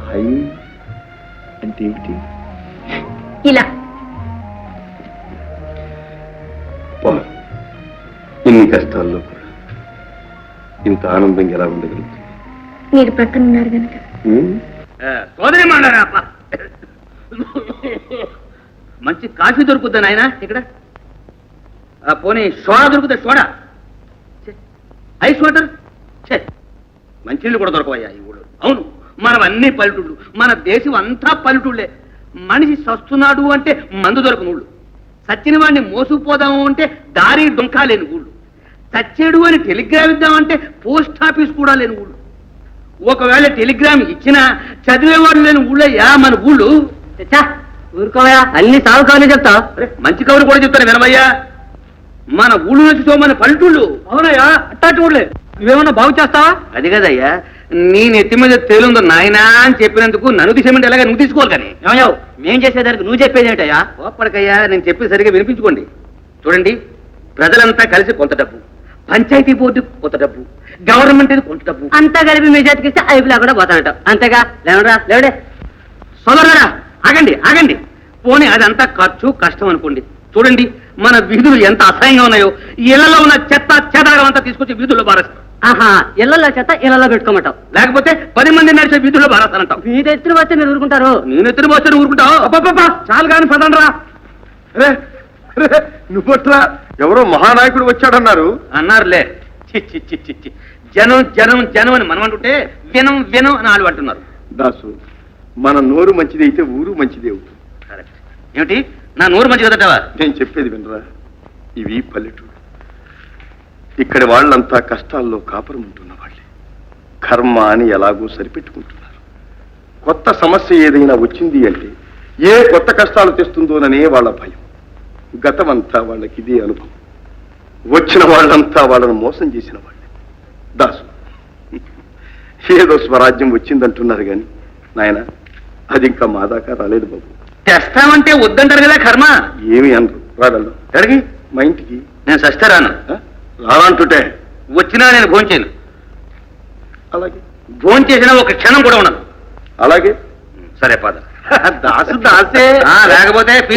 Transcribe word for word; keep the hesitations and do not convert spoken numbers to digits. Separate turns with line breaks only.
High అంటే ఏమిటి?
ఇలా
ఇన్ని కష్టాల్లో కూడా ఇంత ఆనందంగా ఎలా ఉండగలుగుతుంది?
మీరు ప్రక్కన ఉన్నారు కనుక.
సోదరి మండారా మంచి కాఫీ దొరుకుద్దా నాయన ఇక్కడ? పోనీ సోడా దొరుకుతా? సోడా, ఐస్ వాటర్, మంచినీళ్ళు కూడా దొరకవయ్యా ఈ ఊళ్ళో. అవును, మనం అన్ని పల్లెటూళ్ళు, మన దేశం అంతా పల్లెటూళ్ళే. మనిషి సస్తున్నాడు అంటే మందు దొరకని ఊళ్ళు, సచ్చిన వాడిని మోసుకుపోదాము అంటే దారి డొంకా లేని ఊళ్ళు, చచ్చేడు అని టెలిగ్రామ్ ఇద్దామంటే పోస్ట్ ఆఫీస్ కూడా లేని ఊళ్ళు, ఒకవేళ టెలిగ్రామ్ ఇచ్చినా చదివేవాడు లేని ఊళ్ళయ్యా మన ఊళ్ళు. ఊరుకోవయా, అన్ని సాగు కవర్లు చెప్తా. మంచి కవులు కూడా చెప్తాను వినమయ్యా. మన ఊళ్ళు నుంచి మన పల్లెటూళ్ళు. అవునయ్యా, అట్టాటి ఊళ్ళే. నువ్వేమన్నా బాగు చేస్తావా? అది కదయ్యా, నీ నెత్తి మీద తేలుందో నాయనా అని చెప్పినందుకు నన్ను తీసేమంటే ఎలాగా నువ్వు తీసుకోవాలి. కానీ ఏమయ్యావు, మేం చేసేదానికి నువ్వు చెప్పేది ఏంటయ్యా? ఓపడికయ్యా, నేను చెప్పేది సరిగా వినిపించుకోండి. చూడండి, ప్రజలంతా కలిసి కొంత డబ్బు, పంచాయతీ బోర్డు కొంత డబ్బు, గవర్నమెంట్ కొంత డబ్బు, అంతా కలిపి మీ చేతికి ఇస్తే అయిపోలా కూడా పోతానట. అంతేగా? లేవరా లేవడే సోదరురా, ఆగండి ఆగండి. పోనీ అదంతా ఖర్చు కష్టం అనుకోండి. చూడండి, మన వీధులు ఎంత అసహ్యంగా ఉన్నాయో. ఇళ్లలో ఉన్న చెత్త చెదారం అంతా తీసుకొచ్చి వీధుల్లో బారేస్తాం. ఆహా, ఇళ్లలో చెత్త ఇళ్లలో పెట్టుకోమంటావు, లేకపోతే పది మంది నడిచే వీధుల్లో బారేస్తానంటావు. వీధి ఎత్తున వస్తే మీరు ఊరుకుంటారు? నేను ఎత్తున వస్తే ఊరుకుంటావు? అబ్బా చాలు కానీ పదండ్రా.
నువ్వట్లా ఎవరో మహానాయకుడు వచ్చాడన్నారు.
అన్నారులే. చి చి చి చి చి. జనం జనం జనం అని మనం అంటుంటే వినం వినం అని వాళ్ళు అంటున్నారు.
దాసు, మన నోరు మంచిది అయితే ఊరు మంచిది అవుతుంది.
కరెక్ట్. ఏమిటి నా నోరు మంచి కదటవా?
నేను చెప్పేది వినరా, ఇవి పల్లెటూరు. ఇక్కడి వాళ్ళంతా కష్టాల్లో కాపురం ఉంటున్న వాళ్ళే. కర్మ అని ఎలాగో సరిపెట్టుకుంటున్నారు. కొత్త సమస్య ఏదైనా వచ్చింది అంటే ఏ కొత్త కష్టాలు తెస్తుందోననే వాళ్ళ భయం. గతమంతా వాళ్ళకి ఇదే అనుభవం. వచ్చిన వాళ్ళంతా వాళ్ళను మోసం చేసిన వాళ్ళే. దాసు, ఏదో స్వరాజ్యం వచ్చిందంటున్నారు కానీ నాయన, అది ఇంకా మా దాకా రాలేదు బాబు.
తెస్తామంటే వద్దంటారు కదా కర్మ.
ఏమి అనరు. రాగలరు అడిగి మా ఇంటికి.
నేను సస్తే రాను.
రానంటుంటే
వచ్చినా నేను భోంచేయను.
అలాగే
భోంచేసినా ఒక క్షణం కూడా ఉండదు.
అలాగే
సరే పద.
దాసు దాసే
లేకపోతే